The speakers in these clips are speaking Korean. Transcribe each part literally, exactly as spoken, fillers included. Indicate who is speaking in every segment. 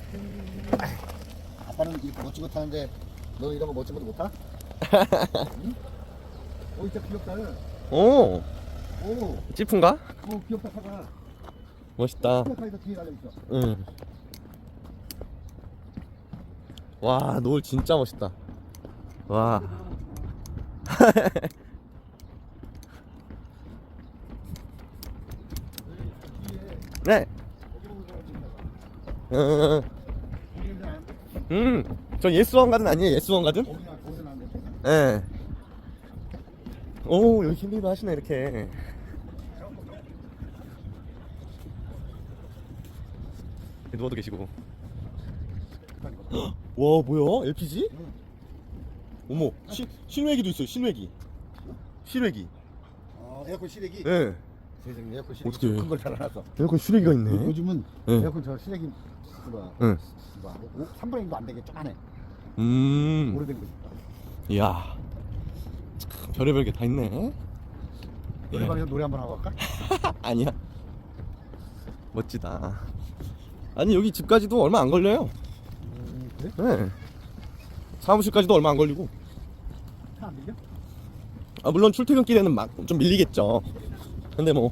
Speaker 1: 아빠는 이렇게 멋진 거 타는데 너 이런 거 멋진 것도 못 타? 응? 어 진짜 귀엽다.
Speaker 2: 오,
Speaker 1: 오,
Speaker 2: 찌푼가?
Speaker 1: 오 귀엽다 타가.
Speaker 2: 멋있다.
Speaker 1: 타에서 뒤에 달려 있어.
Speaker 2: 응. 와, 노을 진짜 멋있다. 와. 네. 음, 음, 저 예스원 가든 아니에요? 예스원 가든? 예. 오, 여기 힐링도 하시네 이렇게. 누워도 계시고. 와, 뭐야? 엘피지? 어머, 시, 실외기도 있어요. 실외기. 실외기.
Speaker 1: 어, 에어컨 실외기.
Speaker 2: 예.
Speaker 1: 세상에 에어컨 실외기.
Speaker 2: 어떻게?
Speaker 1: 큰걸 달아놨어.
Speaker 2: 에어컨 실외기가 있네.
Speaker 1: 요즘은
Speaker 2: 네.
Speaker 1: 에어컨 저 실외기 뭐야?
Speaker 2: 응.
Speaker 1: 삼 분의 일도 안 되게 쪼만해.
Speaker 2: 음.
Speaker 1: 오래된 거 있어.
Speaker 2: 이야. 참, 별의별 게 다 있네.
Speaker 1: 노래방에서 노래 한번 하고 갈까?
Speaker 2: 아니야. 멋지다. 아니, 여기 집까지도 얼마 안 걸려요.
Speaker 1: 음, 그래?
Speaker 2: 네. 사무실까지도 얼마 안 걸리고.
Speaker 1: 차 안 밀려?
Speaker 2: 아, 물론 출퇴근길에는 막 좀 밀리겠죠. 근데 뭐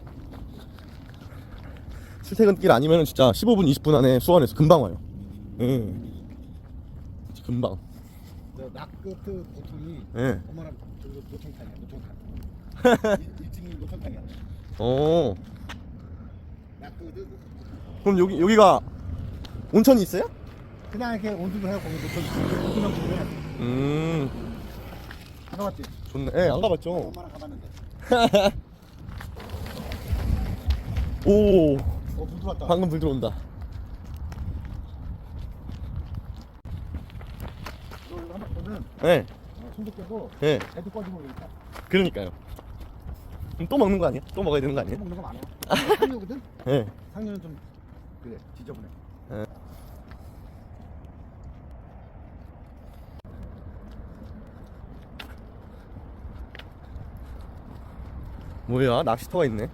Speaker 2: 출퇴근길 아니면 진짜 십오 분 이십 분 안에 수원에서 금방 와요. 예. 금방.
Speaker 1: 저 낙끝 보통이
Speaker 2: 예.
Speaker 1: 엄마랑 저기 노천탕이야. 노천탕. 일 층이 노천탕이야.
Speaker 2: 어.
Speaker 1: 낙끝은
Speaker 2: 그럼 여기 여기가 온천이 있어요?
Speaker 1: 그냥 이렇게 온수도 해요. 거기 노천 그냥 집에
Speaker 2: 음.
Speaker 1: 안 가봤지?
Speaker 2: 좋네. 예, 안 가봤죠.
Speaker 1: 엄마랑 가봤는데.
Speaker 2: 오.
Speaker 1: 어, 불 들어왔다.
Speaker 2: 방금 불 들어온다.
Speaker 1: 너 이거 한번 보면
Speaker 2: 예.
Speaker 1: 어, 손도 깨고
Speaker 2: 예.
Speaker 1: 애도 꺼지고 그러니까
Speaker 2: 그러니까요. 그럼 또 먹는 거 아니야? 또 먹어야 되는 거
Speaker 1: 또
Speaker 2: 아니에요?
Speaker 1: 먹는 거 많아. 상류거든?
Speaker 2: 예.
Speaker 1: 상류는 좀 그래 지저분해.
Speaker 2: 예. 뭐야? 낚시터가 있네.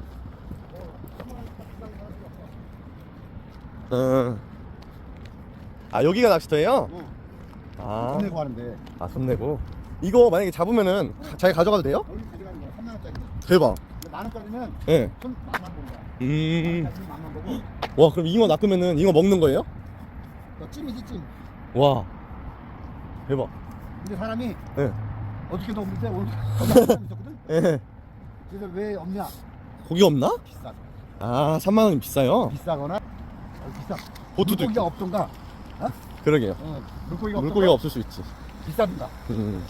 Speaker 2: 어. 아, 여기가 낚시터예요?
Speaker 1: 어.
Speaker 2: 아.
Speaker 1: 돈 내고 하는데
Speaker 2: 아, 손 내고. 이거 만약에 잡으면은 가- 자기 가져가도 돼요?
Speaker 1: 여기 가져가는 거야. 삼만 원짜리.
Speaker 2: 대박.
Speaker 1: 근데 만 원짜리는
Speaker 2: 예.
Speaker 1: 손 만만 본 거야.
Speaker 2: 음.
Speaker 1: 만원짜리는 만만 보고
Speaker 2: 와, 그럼 잉어 낚으면은 잉어 먹는 거예요?
Speaker 1: 너 찜이지 찜.
Speaker 2: 와. 대박.
Speaker 1: 근데 사람이
Speaker 2: 예.
Speaker 1: 어저께도 없는데 오늘 사람이 있었거든?
Speaker 2: 예.
Speaker 1: 그래서 왜 없냐?
Speaker 2: 고기 없나?
Speaker 1: 비싸.
Speaker 2: 아, 삼만 원이 비싸요?
Speaker 1: 비싸거나 어, 비싸.
Speaker 2: 보트도
Speaker 1: 물고기가
Speaker 2: 있고.
Speaker 1: 없던가. 어?
Speaker 2: 그러게요.
Speaker 1: 어, 물고기가
Speaker 2: 물고기가
Speaker 1: 없던가.
Speaker 2: 없을 수 있지.
Speaker 1: 비싸든가.
Speaker 2: 음.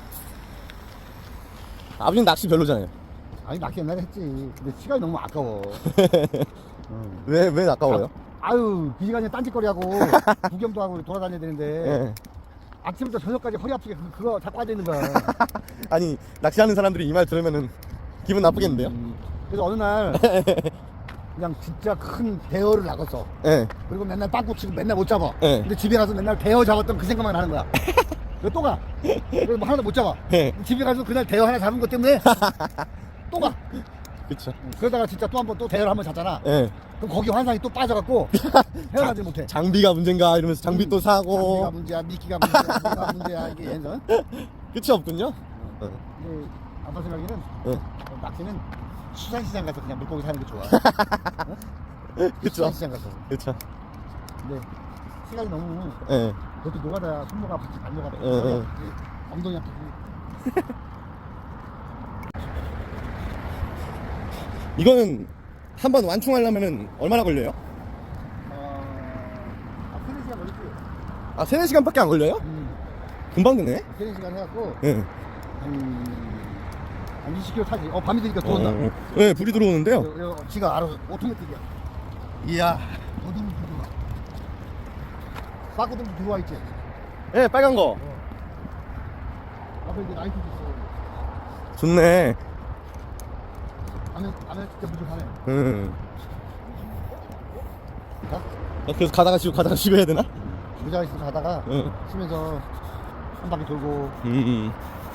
Speaker 2: 아버님 낚시 별로잖아요.
Speaker 1: 아니 낚시 옛날에 했지. 근데 시간이 너무 아까워. 어.
Speaker 2: 왜, 왜 아까워요?
Speaker 1: 아유 그 시간에 딴짓거리하고 구경도 하고 돌아다녀야 되는데
Speaker 2: 예.
Speaker 1: 아침부터 저녁까지 허리 아프게 그- 그거 자꾸 앉아 있는 거야.
Speaker 2: 아니, 낚시하는 사람들이 이 말 들으면은 기분 나쁘겠는데요?
Speaker 1: 음, 그래서 어느 날 그냥 진짜 큰 대어를 낚았어.
Speaker 2: 예.
Speaker 1: 그리고 맨날 빵꾸 치고 맨날 못 잡아.
Speaker 2: 예.
Speaker 1: 근데 집에 가서 맨날 대어 잡았던 그 생각만 하는 거야. 그래서 또 가. 그래서 뭐 하나도 못 잡아.
Speaker 2: 예.
Speaker 1: 집에 가서 그날 대어 하나 잡은 것 때문에 또 가.
Speaker 2: 그쵸.
Speaker 1: 그러다가 진짜 또 한 번 또 대어를 한 번 잡잖아.
Speaker 2: 예.
Speaker 1: 그럼 거기 환상이 또 빠져갖고 헤어나지 못해.
Speaker 2: 장비가 문제인가 이러면서 장비 또
Speaker 1: 장비가
Speaker 2: 사고.
Speaker 1: 문제야, 미끼가 문제야, 뭐가 문제야 이게 해서.
Speaker 2: 끝이 없군요? 어.
Speaker 1: 근데 아빠 생각에는
Speaker 2: 예.
Speaker 1: 어, 낚시는 수산시장 가서 그냥 물고기 사는 게 좋아. 어?
Speaker 2: 그쵸.
Speaker 1: 수산시장 가서.
Speaker 2: 그쵸.
Speaker 1: 근데 시간이 너무
Speaker 2: 예.
Speaker 1: 그것도 노가다 손모가 같이 달려가다
Speaker 2: 어, 어.
Speaker 1: 엉덩이 아프고.
Speaker 2: 이거는 한번 완충하려면은 얼마나 걸려요?
Speaker 1: 어, 아, 세네 시간 걸리지.
Speaker 2: 아, 세네 시간밖에 안 걸려요?
Speaker 1: 음,
Speaker 2: 금방 되네?
Speaker 1: 세네 시간 해갖고
Speaker 2: 예.
Speaker 1: 한, 한 이십 킬로미터 타지. 어, 밤이 되니까 들어온다.
Speaker 2: 어, 예, 불이 들어오는데요.
Speaker 1: 요, 요, 지가 알아서 오토매틱이야.
Speaker 2: 이야.
Speaker 1: 어디로 들어와? 빠꾸들도 들어와 있지.
Speaker 2: 예, 빨간 거.
Speaker 1: 앞에 이제 라이트도 있어.
Speaker 2: 좋네.
Speaker 1: 안에 안에 진짜 부족하네.
Speaker 2: 음.
Speaker 1: 가?
Speaker 2: 어, 그래서 가다가 쉬고 가다가 쉬고 해야 되나?
Speaker 1: 의자에 있어 가다가
Speaker 2: 응.
Speaker 1: 쉬면서 한 바퀴 돌고.
Speaker 2: 음.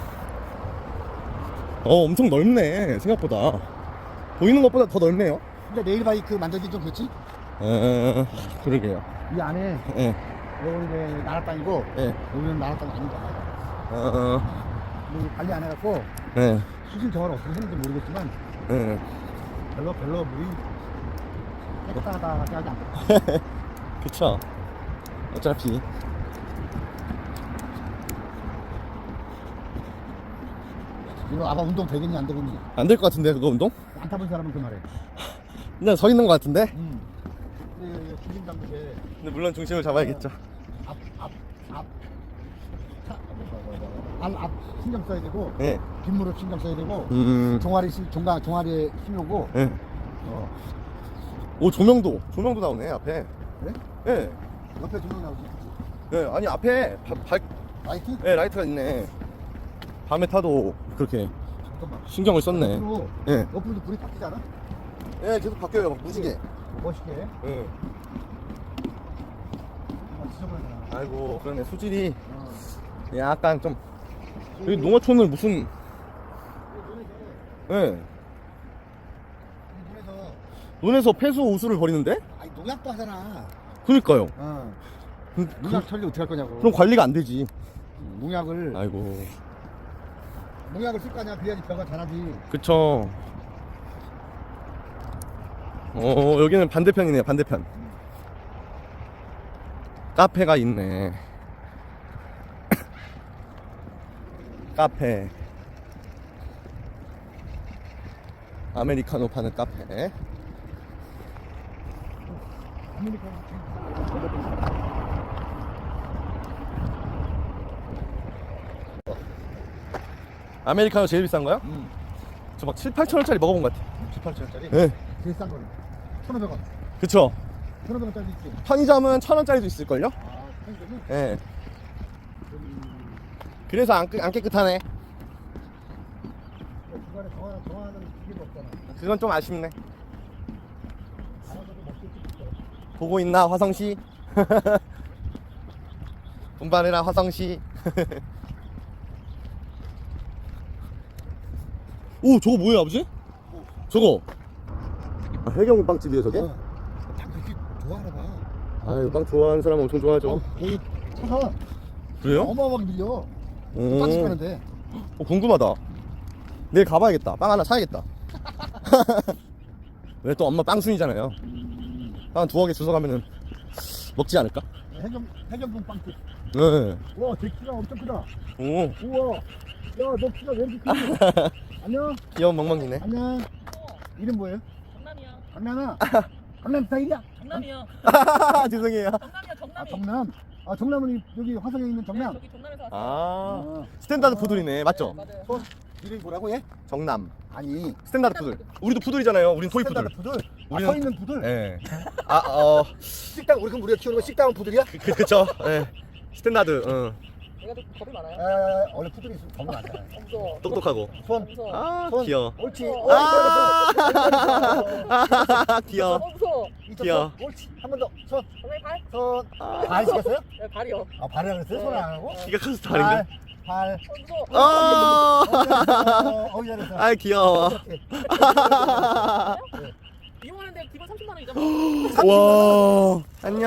Speaker 2: 어, 엄청 넓네. 생각보다. 보이는 것보다 더 넓네요.
Speaker 1: 근데 레일 바이크 만들기 좀 그렇지?
Speaker 2: 어, 그러게요.
Speaker 1: 이 안에
Speaker 2: 예.
Speaker 1: 여기 이제 나라 땅이고
Speaker 2: 예.
Speaker 1: 여기는 나라 땅이 아니잖아.
Speaker 2: 어,
Speaker 1: 여기 관리 안 해갖고
Speaker 2: 예.
Speaker 1: 수질 정화를 어떻게 했는지 모르겠지만
Speaker 2: 예.
Speaker 1: 별로 별로 물이 깨끗하다고 하지 않고.
Speaker 2: 그쵸. 어차피.
Speaker 1: 이거 아마 운동 되겠니 안 되겠니?
Speaker 2: 안 될 것 같은데, 그거 운동?
Speaker 1: 안 타본 사람은 그 말해.
Speaker 2: 그냥 서 있는 것 같은데?
Speaker 1: 음. 근데 중심 잡는 게
Speaker 2: 근데 물론 중심을 잡아야겠죠.
Speaker 1: 앞, 앞, 앞, 차, 발, 앞 신경 써야 되고,
Speaker 2: 예.
Speaker 1: 뒷무릎 신경 써야 되고,
Speaker 2: 음.
Speaker 1: 종아리, 신- 종가, 종아리에 힘이 오고,
Speaker 2: 예.
Speaker 1: 어.
Speaker 2: 오, 조명도. 조명도 나오네, 앞에.
Speaker 1: 그래?
Speaker 2: 예.
Speaker 1: 옆에 조명 나오지.
Speaker 2: 예. 아니, 앞에 바, 발,
Speaker 1: 라이트?
Speaker 2: 예, 라이트가 있네. 밤에 타도 그렇게
Speaker 1: 잠깐만.
Speaker 2: 신경을 썼네.
Speaker 1: 옆으로,
Speaker 2: 예.
Speaker 1: 옆으로도 불이 바뀌지 않아?
Speaker 2: 예, 계속 바뀌어요, 막 무지개.
Speaker 1: 멋있게.
Speaker 2: 예.
Speaker 1: 아, 지저분하잖아.
Speaker 2: 아이고, 그러네. 소질이
Speaker 1: 어.
Speaker 2: 약간 좀. 여기 농어촌을 무슨.
Speaker 1: 이 눈에서,
Speaker 2: 예.
Speaker 1: 이 눈에서,
Speaker 2: 논에서 폐수 오수를 벌이는데?
Speaker 1: 아니, 농약도 하잖아.
Speaker 2: 그니까요.
Speaker 1: 어.
Speaker 2: 그,
Speaker 1: 농약 처리 어떻게 할 거냐고.
Speaker 2: 그럼 관리가 안 되지.
Speaker 1: 농약을,
Speaker 2: 아이고.
Speaker 1: 농약을 쓸 거 아니야. 그래야지 벼가 자라지.
Speaker 2: 그쵸. 어, 여기는 반대편이네요, 반대편. 카페가 있네. 카페. 아메리카노 파는 카페. 아메리카노 제일 비싼 거요?
Speaker 1: 응.
Speaker 2: 저 막 칠, 팔천 원짜리 먹어본 것 같아.
Speaker 1: 칠, 팔천 원짜리?
Speaker 2: 예.
Speaker 1: 제일 싼 거는 천오백 원.
Speaker 2: 그쵸.
Speaker 1: 천오백 원짜리 있지.
Speaker 2: 편의점은 천 원짜리도 있을걸요?
Speaker 1: 아, 편의점은?
Speaker 2: 예.
Speaker 1: 음,
Speaker 2: 그래서 안, 깨- 안 깨끗하네.
Speaker 1: 중간에 정화, 정화하는 기계도 없잖아.
Speaker 2: 그건 좀 아쉽네.
Speaker 1: 알아서도 먹을 수 있어.
Speaker 2: 보고 있나, 화성시? 분발해라, 화성시. 오, 저거 뭐예요, 아버지? 저거. 아, 해경 빵집이에요, 저게?
Speaker 1: 어. 딱 그렇게 좋아하나 봐.
Speaker 2: 아유, 빵 좋아하는 사람 엄청 좋아하죠.
Speaker 1: 어, 여기 차가
Speaker 2: 그래요?
Speaker 1: 어마어마하게 밀려.
Speaker 2: 오.
Speaker 1: 빵집 가는데.
Speaker 2: 어, 궁금하다. 내일 가봐야겠다. 빵 하나 사야겠다. 왜 또 엄마 빵순이잖아요. 빵 두어 개 주워 가면은 먹지 않을까?
Speaker 1: 해경, 해경동 빵집.
Speaker 2: 네.
Speaker 1: 와, 제 키가 엄청 크다.
Speaker 2: 오,
Speaker 1: 우와. 야, 너 키가 왜 이렇게 크지? 안녕.
Speaker 2: 귀여운 멍멍이네.
Speaker 1: 안녕. 이름 뭐예요?
Speaker 3: 정남이야.
Speaker 1: 강남아. 강남 스타일이야?
Speaker 3: 정남이야.
Speaker 2: 죄송해요.
Speaker 3: 정남이야.
Speaker 1: 아,
Speaker 3: 정남이.
Speaker 1: 정남. 아, 정남은 이- 여기 화성에 있는
Speaker 3: 네,
Speaker 1: 정남.
Speaker 3: 저기 정남에서 왔어.
Speaker 2: 아,
Speaker 1: 아,
Speaker 2: 스탠다드 푸들이네. 맞죠?
Speaker 3: 맞아요.
Speaker 1: 어, 이름이 뭐라고 얘?
Speaker 2: 정남.
Speaker 1: 아니,
Speaker 2: 스탠다드 푸들. 우리도 푸들이잖아요. 우린 토이 푸들.
Speaker 1: 스탠다드 푸들. 아,
Speaker 2: 우리는-
Speaker 1: 서 있는 푸들.
Speaker 2: 예. 아, 어,
Speaker 1: 식당 우리 그럼 우리가 키우는 거 식당은 푸들이야?
Speaker 2: 그, 그쵸. 예. 스탠다드, 응.
Speaker 3: 얘가 좀 겁이 많아요.
Speaker 1: 에, 원래 푸들이 있으면 겁이 많잖아.
Speaker 3: 어, 무서워.
Speaker 2: 똑똑하고.
Speaker 1: 손,
Speaker 3: 무서워.
Speaker 2: 아,
Speaker 1: 손.
Speaker 2: 귀여워.
Speaker 1: 옳지.
Speaker 2: 아,
Speaker 1: 아,
Speaker 2: 귀여워.
Speaker 3: 어, 무서워.
Speaker 2: 귀여워.
Speaker 1: 옳지. 한 번 더. 손,
Speaker 3: 정남이 발?
Speaker 1: 손. 발 시켰어요?
Speaker 3: 네, 발이요.
Speaker 1: 아, 발이라 그랬어요? 손 안 하고?
Speaker 2: 기가 커서 다른데?
Speaker 1: 발,
Speaker 3: 어, 무서워.
Speaker 1: 발.
Speaker 2: 아,
Speaker 1: 어, 어, 잘했어.
Speaker 2: 아, 귀여워.
Speaker 3: 이용하는데 기본 삼십만 원이잖아.
Speaker 2: 와, 안녕.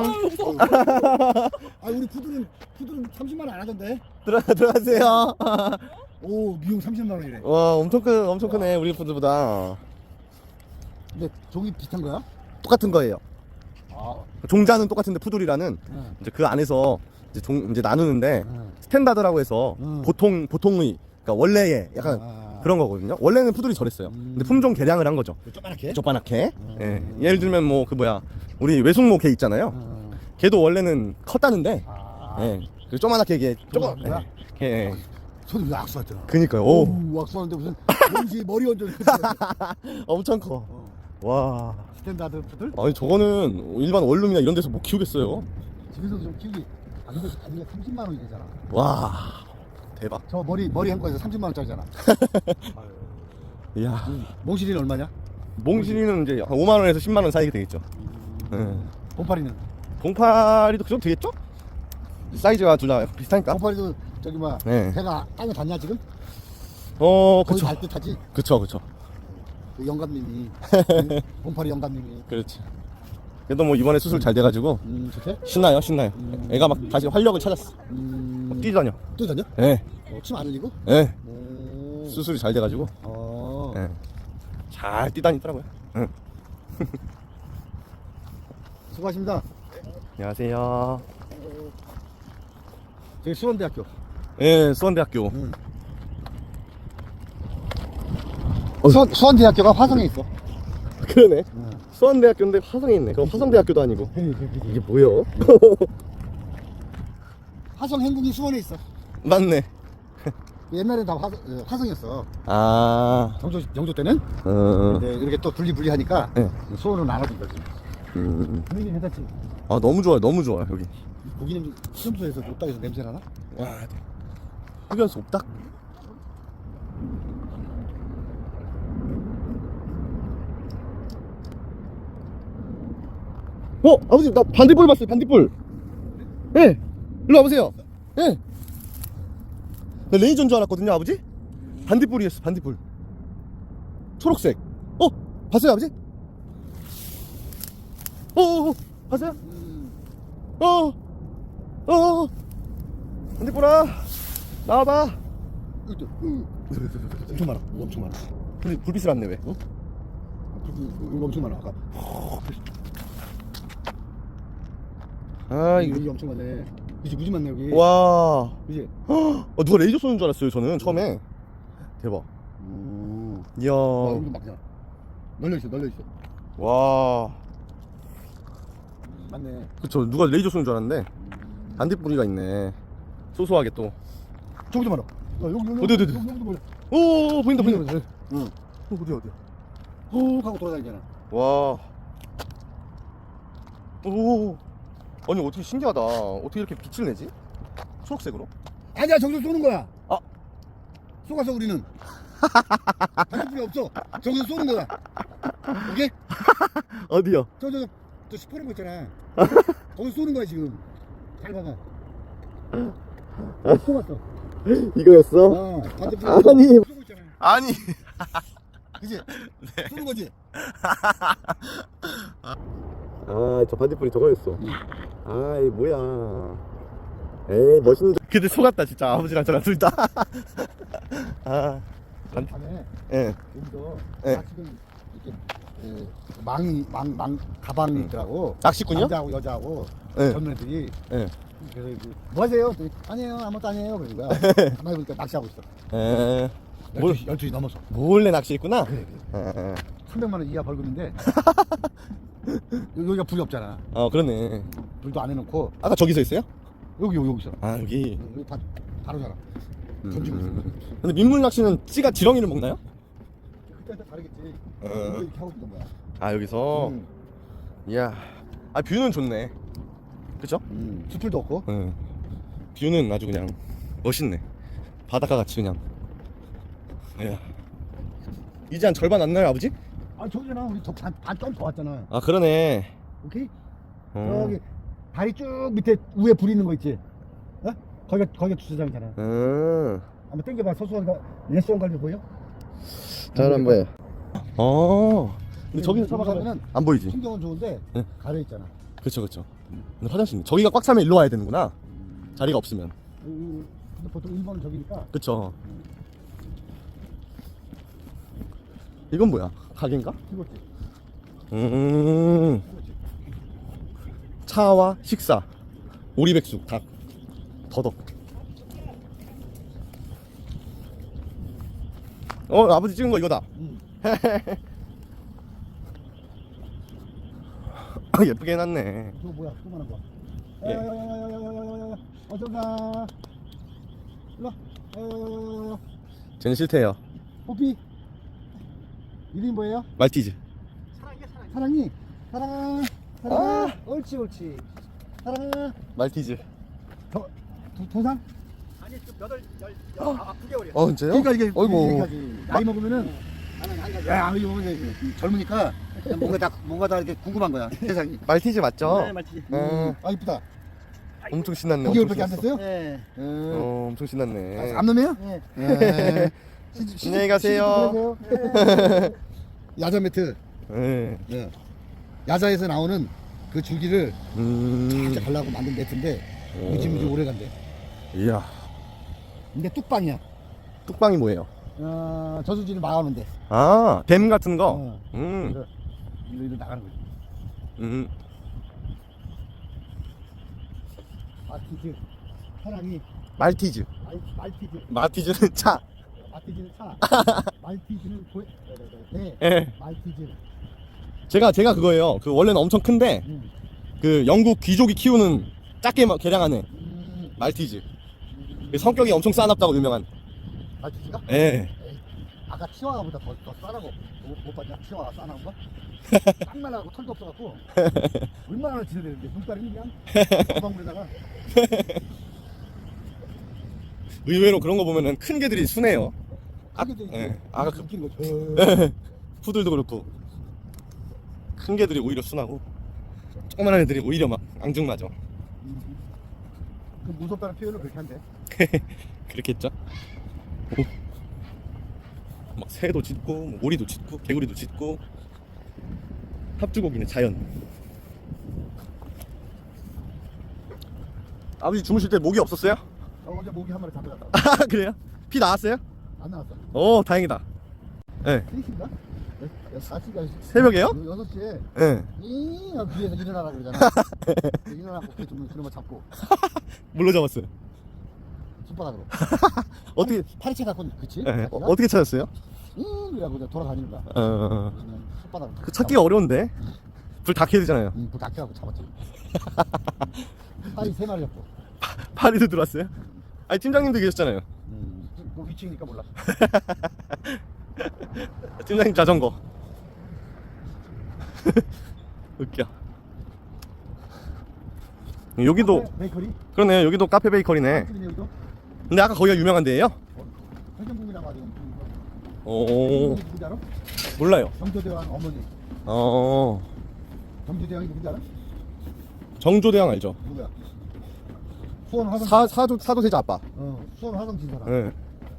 Speaker 1: 아, 우리 푸들은, 푸들은 삼십만 원 안 하던데?
Speaker 2: 들어, 들어가세요.
Speaker 1: 오, 미용 삼십만 원이래.
Speaker 2: 와, 엄청 크, 엄청 크네, 우리 푸들보다.
Speaker 1: 근데 종이 비슷한 거야?
Speaker 2: 똑같은 거예요.
Speaker 1: 아,
Speaker 2: 종자는 똑같은데 푸들이라는
Speaker 1: 응.
Speaker 2: 이제 그 안에서 이제 종 이제 나누는데
Speaker 1: 응.
Speaker 2: 스탠다드라고 해서
Speaker 1: 음.
Speaker 2: 보통 보통의 그러니까 원래의 약간
Speaker 1: 아.
Speaker 2: 그런 거거든요. 원래는 푸들이 저랬어요.
Speaker 1: 음.
Speaker 2: 근데 품종 개량을 한 거죠.
Speaker 1: 조그맣게?
Speaker 2: 조그맣게.
Speaker 1: 음.
Speaker 2: 예. 예를 들면 뭐 그 뭐야 우리 외숙모 개 있잖아요.
Speaker 1: 응.
Speaker 2: 걔도 원래는 컸다는데
Speaker 1: 아,
Speaker 2: 예. 그 조그맣게 이게 조금
Speaker 1: 조그만 거야?
Speaker 2: 예. 예.
Speaker 1: 손이 왜 악수하더라?
Speaker 2: 그니까요. 오.
Speaker 1: 오, 악수하는데 무슨 뭔지 머리 얹어.
Speaker 2: 엄청 커.
Speaker 1: 어.
Speaker 2: 와.
Speaker 1: 스탠다드 푸들?
Speaker 2: 아니 저거는 일반 원룸이나 이런 데서 못 키우겠어요.
Speaker 1: 집에서 좀 키우기. 아, 근데 가격이 삼십만 원이 되잖아.
Speaker 2: 와. 대박.
Speaker 1: 저 머리 머리 한 거에서 삼십만 원짜리잖아.
Speaker 2: 이야.
Speaker 1: 몽실이는 얼마냐?
Speaker 2: 몽실이는 이제 한 오만 원에서 십만 원 사이가 되겠죠. 예.
Speaker 1: 봉파리는?
Speaker 2: 봉파리도 그 정도 되겠죠? 사이즈가 둘 다 비슷하니까.
Speaker 1: 봉파리도 저기 뭐
Speaker 2: 네.
Speaker 1: 배가 땅에 닿냐 지금?
Speaker 2: 어,
Speaker 1: 거의
Speaker 2: 그쵸.
Speaker 1: 닿을 듯하지?
Speaker 2: 그쵸, 그쵸.
Speaker 1: 그 영감님이 봉파리 영감님이
Speaker 2: 그렇지. 그래도 뭐 이번에 수술 잘 돼가지고
Speaker 1: 음, 좋대?
Speaker 2: 신나요, 신나요. 애가 막 다시 활력을 찾았어.
Speaker 1: 음,
Speaker 2: 막 뛰다녀.
Speaker 1: 또 다녀?
Speaker 2: 예,
Speaker 1: 어, 침 안 흘리고?
Speaker 2: 예.
Speaker 1: 오.
Speaker 2: 수술이 잘 돼가지고
Speaker 1: 어.
Speaker 2: 예. 잘 뛰다니더라고요. 응.
Speaker 1: 수고하십니다.
Speaker 2: 안녕하세요.
Speaker 1: 저기 수원대학교.
Speaker 2: 예, 수원대학교.
Speaker 1: 음. 수원, 수원대학교가 화성에 있어.
Speaker 2: 그러네.
Speaker 1: 응.
Speaker 2: 수원대학교인데 화성에 있네. 그럼 화성대학교도 아니고. 이게 뭐야?
Speaker 1: 화성 행궁이 수원에 있어.
Speaker 2: 맞네.
Speaker 1: 옛날엔 다 화, 화성이었어.
Speaker 2: 아,
Speaker 1: 영조, 영조 때는.
Speaker 2: 어,
Speaker 1: 근데 이렇게 또 분리분리하니까
Speaker 2: 네.
Speaker 1: 수원은 나눠준 거지.
Speaker 2: 음.
Speaker 1: 분위기 괜찮지?
Speaker 2: 아 너무 좋아요, 너무 좋아요 여기.
Speaker 1: 고기는 시험소에서 옥당에서 냄새 나나?
Speaker 2: 와, 흡연소 없다. 어, 아버지 나 반딧불 봤어요, 반딧불. 예, 네. 일로 와보세요. 예. 네. 나 레이저인 줄 알았거든요, 아버지. 반딧불이었어, 반딧불. 초록색. 어, 봤어요, 아버지? 어, 어, 어. 봤어요? 어, 어, 어. 반딧불아, 나와봐.
Speaker 1: 이거 또, 응. 엄청 많아. 이거 엄청 많아.
Speaker 2: 근데 불빛을 안 내, 왜?
Speaker 1: 어? 이거 엄청 많아. 아까.
Speaker 2: 아,
Speaker 1: 이거,
Speaker 2: 이거.
Speaker 1: 이거 엄청 많네. 이제 무지 많네 여기.
Speaker 2: 와.
Speaker 1: 그지?
Speaker 2: 어, 누가 레이저 쏘는 줄 알았어요, 저는 처음에. 대박.
Speaker 1: 오.
Speaker 2: 이야.
Speaker 1: 와, 여기도 막냐. 널려 있어, 널려 있어.
Speaker 2: 와.
Speaker 1: 맞네.
Speaker 2: 그쵸, 누가 레이저 쏘는 줄 알았는데 반딧불이가 있네. 소소하게 또.
Speaker 1: 저기도 많아. 어, 여기 여기
Speaker 2: 어디, 어디, 어디?
Speaker 1: 여기, 여기도 많아.
Speaker 2: 오, 보인다, 보인다.
Speaker 1: 응.
Speaker 2: 어, 어디야, 어디야.
Speaker 1: 훅 하고 돌아다니잖아.
Speaker 2: 와. 오. 아니, 어떻게 신기하다. 어떻게 이렇게 빛을 내지? 초록색으로?
Speaker 1: 아니야, 저기서 쏘는 거야.
Speaker 2: 아.
Speaker 1: 쏘가서 우리는. 반딧불이 없어. 저기서 쏘는 거야. 오케이?
Speaker 2: 어디요?
Speaker 1: 저, 저, 저, 저 시퍼런 거 있잖아. 거기 쏘는 거야, 지금. 잘 봐봐. 어, 쏘았어.
Speaker 2: 이거였어?
Speaker 1: 어, 반딧불.
Speaker 2: 아니.
Speaker 1: 쏘고 있잖아.
Speaker 2: 아니.
Speaker 1: 그지? 쏘는 거지?
Speaker 2: 아, 저 반딧불이 저거였어. 아이, 뭐야. 에이, 멋있는데. 근데 속았다, 진짜. 아버지랑 저랑 둘 다. 아, 반,
Speaker 1: 밤에
Speaker 2: 예.
Speaker 1: 여기서
Speaker 2: 네.
Speaker 1: 지금 이렇게 그 망이 망, 망 가방이 있더라고.
Speaker 2: 낚시꾼이요?
Speaker 1: 남자하고 여자하고
Speaker 2: 네.
Speaker 1: 젊은이들이.
Speaker 2: 예.
Speaker 1: 그래서 이제 뭐 하세요? 그랬더니 아니에요, 아무것도 아니에요. 그러는 거야. 가만히 보니까 낚시하고 있어.
Speaker 2: 에. 뭘,
Speaker 1: 열두 시, 열두 시 넘어서.
Speaker 2: 몰래 낚시했구나?
Speaker 1: 그래, 그래.
Speaker 2: 에, 에.
Speaker 1: 삼백만 원 이하 벌금인데 여기가 불이 없잖아.
Speaker 2: 어, 그러네.
Speaker 1: 불도 안 해놓고
Speaker 2: 아까 저기서 있어요?
Speaker 1: 여기 여기 여기 있어.
Speaker 2: 아, 여기.
Speaker 1: 여기 다 다르잖아.
Speaker 2: 음,
Speaker 1: 던지고 있어.
Speaker 2: 음. 근데 민물 낚시는 찌가 지렁이를 먹나요?
Speaker 1: 그때 다르겠지.
Speaker 2: 어.
Speaker 1: 이거 이렇게 하고 있던 거야.
Speaker 2: 아, 여기서?
Speaker 1: 음,
Speaker 2: 이야. 아, 뷰는 좋네. 그쵸?
Speaker 1: 음. 수풀도 없고.
Speaker 2: 응. 뷰는 아주 그냥 멋있네. 바닷가 같이 그냥. 이야. 이제 한 절반 안 나요, 아버지?
Speaker 1: 아 저기잖아. 우리 반좀 더 왔잖아.
Speaker 2: 아, 그러네.
Speaker 1: 오케이?
Speaker 2: 어.
Speaker 1: 저기 다리 쭉 밑에 위에 불 있는 거 있지? 어? 거기가 거기가 주차장이잖아.
Speaker 2: 음.
Speaker 1: 한번 땡겨봐. 서수원가 예수원 갈비 보여?
Speaker 2: 잘 한번 해. 어. 근데 저기서
Speaker 1: 잡아가면은
Speaker 2: 잡아가면 안 보이지?
Speaker 1: 풍경은 좋은데
Speaker 2: 네.
Speaker 1: 가려 있잖아.
Speaker 2: 그쵸, 그쵸. 근데 화장실 저기가 꽉 차면 일로 와야 되는구나. 자리가 없으면.
Speaker 1: 음, 근데 보통 일 번은 저기니까.
Speaker 2: 그쵸. 이건 뭐야? 가게인가?
Speaker 1: 이거지.
Speaker 2: 음.
Speaker 1: 이거지.
Speaker 2: 차와 식사. 오리백숙, 닭, 더덕. 어, 아버지 찍은 거 이거다.
Speaker 1: 음.
Speaker 2: 아, 예쁘게 해놨네.
Speaker 1: 저거 뭐야? 조그만한 거.
Speaker 2: 예.
Speaker 1: 야야야야야야야야야야. 어서 가. 일로 와. 야야야야야야.
Speaker 2: 쟤는 싫대요.
Speaker 1: 뽀삐. 이름이 뭐예요?
Speaker 2: 말티즈.
Speaker 1: 사랑이. 사랑아. 사랑아. 옳지 옳지. 사랑아.
Speaker 2: 말티즈.
Speaker 1: 도, 도, 도상?
Speaker 3: 아니 좀 여덟 열아 구 개월이야.
Speaker 2: 어, 진짜요?
Speaker 1: 그러니까 이게
Speaker 2: 어이구.
Speaker 1: 이렇게 하지. 나이 먹으면은 야 이거 보면 이제 젊으니까 그냥 뭔가 다 뭔가 다 이렇게 궁금한 거야 세상이.
Speaker 2: 말티즈 맞죠?
Speaker 3: 네 맞지.
Speaker 2: 음,
Speaker 1: 아 이쁘다.
Speaker 2: 엄청 신났네.
Speaker 1: 구
Speaker 2: 엄청
Speaker 1: 개월밖에 안
Speaker 2: 신났어.
Speaker 1: 됐어요?
Speaker 3: 네.
Speaker 1: 음.
Speaker 2: 어, 엄청 신났네.
Speaker 1: 아, 암놈이에요?
Speaker 3: 네.
Speaker 1: 예.
Speaker 2: 안녕히 가세요.
Speaker 1: 야자 매트.
Speaker 2: 예.
Speaker 1: 예. 야자에서 나오는 그 줄기를
Speaker 2: 음.
Speaker 1: 진짜 가려고 만든 네트인데 무지무지 오래 간대.
Speaker 2: 이야.
Speaker 1: 근데 뚝방이야.
Speaker 2: 뚝방이 뭐예요?
Speaker 1: 어, 저수지를 막아놓은데.
Speaker 2: 아, 댐 같은 거.
Speaker 1: 어.
Speaker 2: 음.
Speaker 1: 그래서 일로 일로 나가는 거지.
Speaker 2: 음.
Speaker 1: 마티즈 사랑이
Speaker 2: 말티즈.
Speaker 1: 말, 말티즈
Speaker 2: 마티즈는 차.
Speaker 1: 마티즈는 차. 말티즈는 고 네.
Speaker 2: 예.
Speaker 1: 말티즈.
Speaker 2: 제가 제가 그거예요. 그 원래는 엄청 큰데
Speaker 1: 음.
Speaker 2: 그 영국 귀족이 키우는 작게 막 개량하는
Speaker 1: 음.
Speaker 2: 말티즈. 그 성격이 엄청 싸납다고 유명한.
Speaker 1: 말티즈가?
Speaker 2: 예.
Speaker 1: 에이, 아까 치와와보다 더, 더 싸나고 못, 못 봤냐? 치와와 싸나운 거? 딱 말라고 털도 없어갖고 얼마나 지내되는데 눈깔이 그냥 가방물에다가.
Speaker 2: 의외로 그런 거 보면은 큰 개들이 순해요. 아,
Speaker 1: 크게도
Speaker 2: 예. 아까 그
Speaker 1: 웃긴 거죠.
Speaker 2: 푸들도 그렇고 큰 개들이 오히려 순하고 조그만한 애들이 오히려 막 앙증맞아.
Speaker 1: 그 무섭다는 표현을 그렇게 한대.
Speaker 2: 그렇겠죠? 오. 막 새도 짖고 뭐 오리도 짖고 개구리도 짖고 합주곡이네 자연. 아버지 주무실 때 모기 없었어요?
Speaker 1: 어, 어제 모기 한 마리 잡혀갔다.
Speaker 2: 아 그래요? 피 나왔어요?
Speaker 1: 안 나왔어.
Speaker 2: 오 다행이다. 예.
Speaker 1: 세 시인가? 사 시가
Speaker 2: 새벽에요?
Speaker 1: 여섯 시에
Speaker 2: 예.
Speaker 1: 이 뒤에서 일어나라 그러잖아. 일어나고 그 좀 그놈을 잡고
Speaker 2: 뭘로 잡았어요?
Speaker 1: 손바닥으로.
Speaker 2: 어떻게
Speaker 1: 파리채 갖고 그치?
Speaker 2: 예. 어, 어떻게 찾았어요?
Speaker 1: 이 이라고 그냥 돌아다니는 거야.
Speaker 2: 어, 어, 어.
Speaker 1: 그냥 손바닥으로.
Speaker 2: 그 찾기가 어려운데 불 다 켜야 되잖아요.
Speaker 1: 응, 그 닭해갖고 잡았지. 파리 세 마리 잡고.
Speaker 2: 파리도 들어왔어요? 아니 팀장님도 계셨잖아요.
Speaker 1: 음, 그 위치니까 몰라.
Speaker 2: 팀장님 자전거. 웃겨. 여기도
Speaker 1: 카페, 베이커리?
Speaker 2: 그러네. 여기도 카페 베이커리네.
Speaker 1: 집이네 여기도.
Speaker 2: 근데 아까 거기가 유명한 데예요?
Speaker 1: 회전국이라고 하죠.
Speaker 2: 오
Speaker 1: 누군지 알아?
Speaker 2: 몰라요.
Speaker 1: 정조대왕 어머니.
Speaker 2: 어
Speaker 1: 정조대왕이 누군지 알아?
Speaker 2: 정조대왕 알죠?
Speaker 1: 누구야? 수원 화성.
Speaker 2: 사 사조 사도세자 아빠.
Speaker 1: 어, 수원 화성 진사람.
Speaker 2: 예.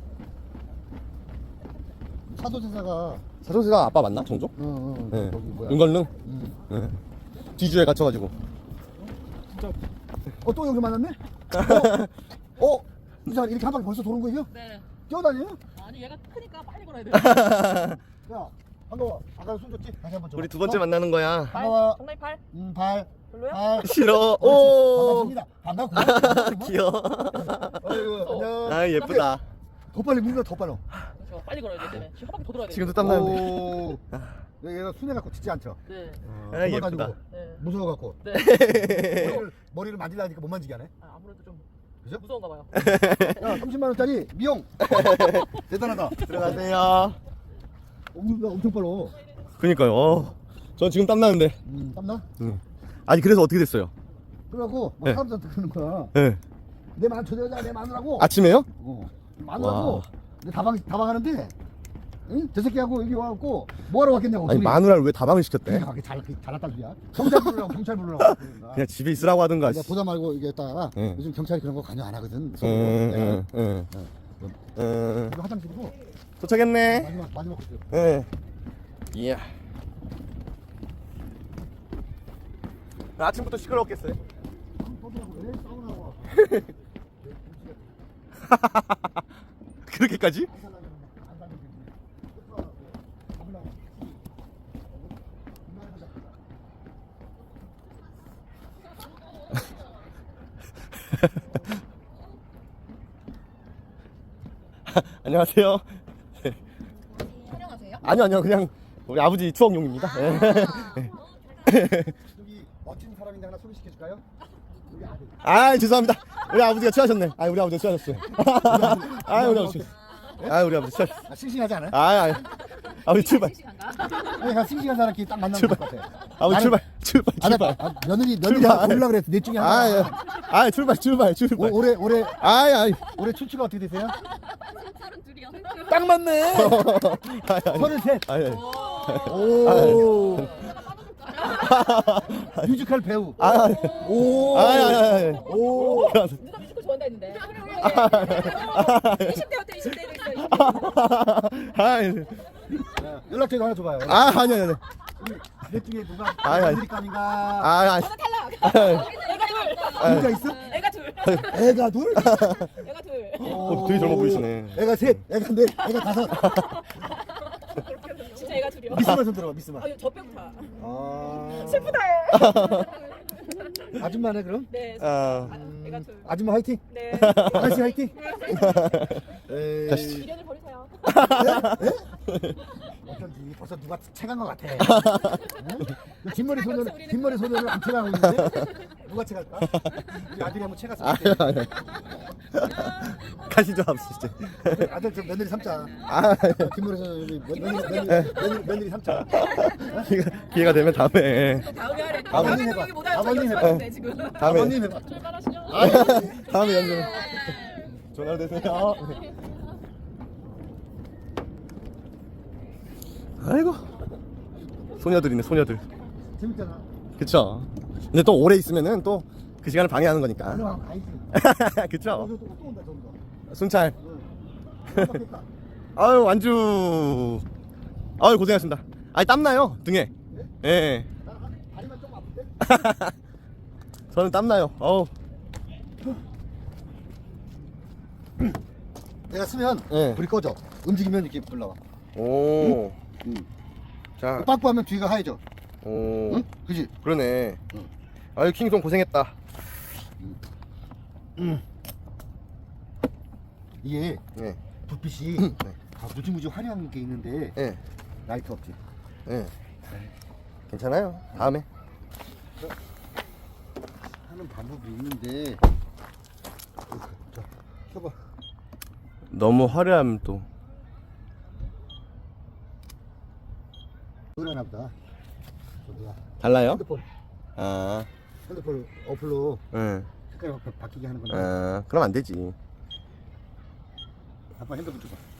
Speaker 1: 사도세자가
Speaker 2: 사도세자 아빠 맞나 정조?
Speaker 1: 어, 어,
Speaker 2: 예.
Speaker 1: 거기 뭐야?
Speaker 2: 윤건릉.
Speaker 1: 음.
Speaker 2: 예. 뒤주에 갇혀가지고.
Speaker 1: 진짜. 어, 또 여기 만났네? 어? 어? 이 사람 이렇게 한 바퀴 벌써 도는 거예요?
Speaker 4: 네.
Speaker 1: 뛰어다녀요?
Speaker 4: 아니 얘가 크니까 빨리 걸어야 돼.
Speaker 1: 야, 반가워. 아까 손 줬지? 다시 한번 줘.
Speaker 2: 우리 두 번째 만나는 거야.
Speaker 1: 반가워.
Speaker 4: 정말 팔.
Speaker 1: 음, 발.
Speaker 4: 별로야?
Speaker 1: 발.
Speaker 2: 싫어.
Speaker 1: 오.
Speaker 2: 오.
Speaker 1: 반갑습니다. 반갑고.
Speaker 2: 귀여워.
Speaker 1: 어이구, 안녕.
Speaker 2: 아 예쁘다.
Speaker 1: 더 빨리 물면 더 빨리.
Speaker 4: 저 빨리 걸어야 돼. 때문에 지금 한 바퀴 더 돌아야 돼.
Speaker 2: 지금도 땀 나는데.
Speaker 1: 오. 얘가 순해 갖고 짖지 않죠?
Speaker 4: 네.
Speaker 2: 아, 예쁘다.
Speaker 4: 네.
Speaker 1: 무서워 갖고.
Speaker 4: 네.
Speaker 1: 머리를 머리를 만지려니까 못 만지게 하네.
Speaker 4: 아, 아무래도 좀
Speaker 1: 그죠?
Speaker 4: 무서운가 봐요.
Speaker 1: 야, 삼십만 원짜리 미용. 대단하다.
Speaker 2: 들어가세요.
Speaker 1: 엄청 엄청 빨라.
Speaker 2: 그니까요. 어. 전 지금 땀 나는데.
Speaker 1: 음, 땀나?
Speaker 2: 응. 아니 그래서 어떻게 됐어요?
Speaker 1: 그래갖고 막
Speaker 2: 네.
Speaker 1: 사람들한테 그러는 거야.
Speaker 2: 예.
Speaker 1: 내 마늘 저 여자 내 마누라고.
Speaker 2: 아침에요?
Speaker 1: 어. 마누라고.
Speaker 2: 와.
Speaker 1: 내 다방 다방하는데, 응? 저 새끼하고 여기 와갖고 뭐하러 왔겠냐고.
Speaker 2: 아니 마누라를 왜 다방을 시켰대?
Speaker 1: 그게 잘 잘났단 소리야. 경찰 부르라고 경찰 부르라고. 그러니까.
Speaker 2: 그냥 집에 있으라고 하든가.
Speaker 1: 내가 보다 말고 이게 했다가
Speaker 2: 응.
Speaker 1: 요즘 경찰이 그런 거 관여 안 하거든.
Speaker 2: 응, 응, 응,
Speaker 1: 어.
Speaker 2: 응.
Speaker 1: 이거 화장실이고
Speaker 2: 도착했네.
Speaker 1: 마지막 마지막 코스.
Speaker 2: 예. 이야. 아침부터 시끄러웠겠어요.
Speaker 1: 왜 싸우라고?
Speaker 2: 그렇게까지? 안녕하세요.
Speaker 4: 촬영하세요?
Speaker 2: 아니요, 아니요. 그냥 우리 아버지 추억용입니다. 예.
Speaker 1: 여기 멋진 사람인데 하나 소개시켜 줄까요? 여기 아들.
Speaker 2: 아, 죄송합니다. 우리 아버지가 취하셨네. 아, 우리 아버지가 취하셨어요. 아, 우리 아버지. 아, 우리 아버지 취하셨어.
Speaker 1: 아, 싱싱하지 않아?
Speaker 2: 아, 아, 아버지 출발.
Speaker 4: 싱싱한가?
Speaker 1: 내가 싱싱한 사람끼리 딱 만나면 될것 같아.
Speaker 2: 아버지 출발, 출발,
Speaker 1: 아, 나,
Speaker 2: 출발.
Speaker 1: 아, 며느리 며느리
Speaker 2: 출발.
Speaker 1: 하나 고르려고 그랬어. 넷 중에 하나.
Speaker 2: 아, 예. 아, 출발, 출발,
Speaker 1: 오,
Speaker 2: 출발.
Speaker 1: 올해 올해
Speaker 2: 아이, 아이.
Speaker 1: 올해 출치가 어떻게 되세요?
Speaker 4: 서른 둘이요.
Speaker 1: 딱 맞네.
Speaker 2: 아이, 아이.
Speaker 1: 서른셋.
Speaker 2: 아이, 아이.
Speaker 1: 오. 뮤지컬 배우.
Speaker 2: 아,
Speaker 1: 오.
Speaker 2: 아이, 아이, 아이.
Speaker 1: 오.
Speaker 4: 누가 뮤지컬 좋아한다 했는데. 이십 대부터 이십 대 됐어.
Speaker 2: 아이.
Speaker 1: 연락처도 하나 줘봐요.
Speaker 2: 아, 아니, 아니, 아니.
Speaker 1: 넷 중에 누가
Speaker 2: 아니, 아니.
Speaker 1: 아메리칸인가?
Speaker 2: 아, 아,
Speaker 4: 저는 탈락. 애가
Speaker 1: 누가 있어?
Speaker 4: 둘. 애가 둘.
Speaker 1: 애가 둘?
Speaker 4: 애가 둘.
Speaker 2: 어, 되게 젊어 보이시네.
Speaker 1: 애가 셋, 애가 넷, 애가 다섯.
Speaker 4: 진짜 애가 둘이요.
Speaker 1: 미스만 손 들어봐, 미스만.
Speaker 4: 아, 저 빼고 다.
Speaker 1: 아,
Speaker 4: 슬프다.
Speaker 1: 아줌마네 그럼?
Speaker 4: 네.
Speaker 2: 아,
Speaker 4: 아, 애가 둘.
Speaker 1: 아줌마 화이팅.
Speaker 4: 네.
Speaker 1: 아저씨 화이팅. 에이,
Speaker 2: 가시죠.
Speaker 4: 미련을 버리세요.
Speaker 1: 어쩐지 벌써 누가 채간 것 같아. 응? 그 뒷머리 소년,
Speaker 4: 우리는
Speaker 1: 뒷머리 소년을 안 채가고 있는데 누가 채갈까? 우리 아들이 한번 채갔을
Speaker 2: 아니,
Speaker 1: 때.
Speaker 2: 아니. 가시죠, 아버지. 이제.
Speaker 1: 아들 저 며느리 삼자.
Speaker 2: 아,
Speaker 1: 뒷머리 소년이 며느리 며느리 며느리, 며느리 삼자.
Speaker 2: 기회가, 기회가 되면 다음에.
Speaker 4: 다음에 하래.
Speaker 1: 아버님
Speaker 4: 다음에
Speaker 1: 해봐.
Speaker 4: 얘기 못하는
Speaker 1: 아버님
Speaker 4: 저희
Speaker 1: 해봐.
Speaker 4: 연습하는데 지금.
Speaker 2: 다음에.
Speaker 1: 아버님 해봐.
Speaker 4: 출발하시죠.
Speaker 2: 다음에 연습. 전화 되세요. 아이고. 소녀들이네, 소녀들.
Speaker 1: 재밌잖아.
Speaker 2: 그쵸. 근데 또 오래 있으면은 또 그 시간을 방해하는 거니까.
Speaker 1: 그럼 가야지.
Speaker 2: 그쵸.
Speaker 1: 어, 또, 또 온다, 또 온다.
Speaker 2: 순찰.
Speaker 1: 응. 깜빡했다.
Speaker 2: 아유, 완주. 아유, 고생하셨습니다. 아니, 땀나요, 등에. 예.
Speaker 1: 나 다리만 좀 아픈데?
Speaker 2: 저는 땀나요. 어우.
Speaker 1: 내가 쓰면
Speaker 2: 예.
Speaker 1: 불이 꺼져. 움직이면 이렇게 불 나와.
Speaker 2: 오.
Speaker 1: 응.
Speaker 2: 자,
Speaker 1: 빠꾸하면 뒤가 하얘져.
Speaker 2: 오.
Speaker 1: 응? 그지?
Speaker 2: 그러네.
Speaker 1: 응.
Speaker 2: 아유, 킹송 고생했다.
Speaker 1: 이게
Speaker 2: 예.
Speaker 1: 불빛이
Speaker 2: 네.
Speaker 1: 아, 무지무지 화려한 게 있는데
Speaker 2: 예.
Speaker 1: 라이트 없지.
Speaker 2: 예. 괜찮아요. 다음에.
Speaker 1: 하는 방법이 있는데. 자, 켜봐.
Speaker 2: 너무 화려하면 또.
Speaker 1: 그러나 보다. 저기야.
Speaker 2: 달라요?
Speaker 1: 핸드폰.
Speaker 2: 아.
Speaker 1: 핸드폰 어플로
Speaker 2: 응.
Speaker 1: 색깔 바- 바뀌게 하는 거나.
Speaker 2: 아, 그럼 안 되지.
Speaker 1: 아빠 핸드폰 줘봐.